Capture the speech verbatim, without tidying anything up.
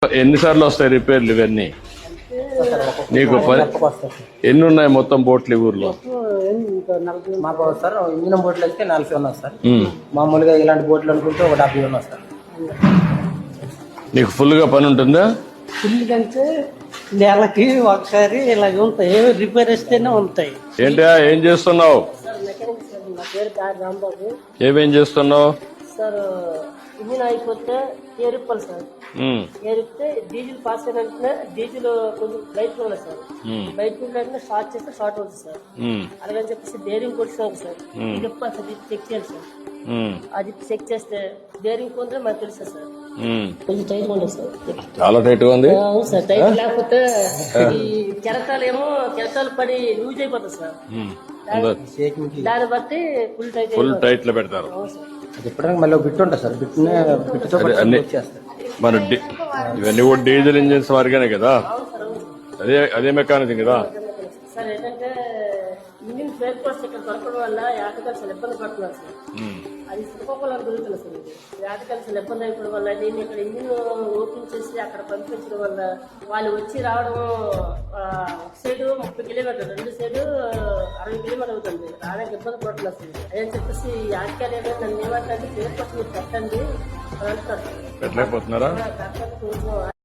ఎన్నిసార్లు వస్తాయి రిపేర్లు ఇవన్నీ? నీకు పని ఎన్ని ఉన్నాయి మొత్తం బోట్లు ఈ ఊర్లో? మాకు సార్ ఇంజనం బోట్లు అయితే నలభై ఉన్నాయి సార్. మామూలుగా ఇలాంటి బోట్లు అనుకుంటే ఒక డెబ్బై ఉన్నాయి సార్. నీకు ఫుల్ గా పని ఉంటుందా? ఫుల్ కంటే నెలకి ఒకసారి ఇలాగ ఉంటాయి, రిపేర్ వస్తేనే ఉంటాయి. ఏంటా ఏం చేస్తున్నావు? నా పేరు దారి రాంబాబు ఏమేం చేస్తున్నావు? సార్. ఇంజిన్ అయిపోతే ఏరిప్పాలి సార్. ఏరిపితే డీజిల్ పాస్ అయిన డీజిల్ కొంచెం బయటకు వెళ్ళదు సార్. బయటకు వెళ్ళిన షార్ట్ చేస్తే షార్ట్ అవుతుంది సార్. అలాగని చెప్పేసి బేరింగ్ కొట్టినాక సార్ చెప్పాలి సార్, చెక్ చేయాలి సార్. అది చెక్ చేస్తే బేరింగ్ కొంటే మనకు తెలుస్తుంది సార్. కొంచెం టైట్ ఉండదు సార్, చాలా టైట్ గా ఉంది. అవును సార్, టైట్ లేకపోతే ఈ కెరటాలు ఏమో కెరటాలు పడి లూజ్ అయిపోతుంది సార్. దాన్ని బట్టి ఫుల్ టైట్ ఫుల్ టైట్ లో పెడతారు. ఎప్పుడైనా మళ్ళీ బిట్ ఉంటుంది సార్. బిట్నే బిట్తో చేస్తారు. మన ఇవన్నీ కూడా డీజిల్ ఇంజిన్స్ వారిగానే కదా, అదే అదే మెకానిజం కదా సార్. ఏంటంటే ఇంజిన్ బ్రేక్ పాస్ ఇక్కడ దొరకడం వల్ల యాటకాలు చాలా ఇబ్బంది పడుతున్నారు సార్. అది శ్రీకాకుళం దొరుకుతుంది సార్. యాటకాలు చాలా ఇబ్బంది అయిపోవడం వల్ల దీన్ని ఇక్కడ ఇంజిన్ ఓపెన్ చేసి అక్కడ పంపించడం వల్ల వాళ్ళు వచ్చి రావడం ఒక సైడు ముప్పై కిలోమీటర్లు, రెండు సైడు అరవై కిలోమీటర్ అవుతుంది. రావడానికి ఇబ్బంది పడుతున్నారు సార్. అదని చెప్పేసి యాటకాలు ఏమైనా నన్ను ఏమంటే బ్రేక్ పాస్ మీరు పెట్టండి అని అంటున్నారు. పెట్టలేకపోతున్నారా?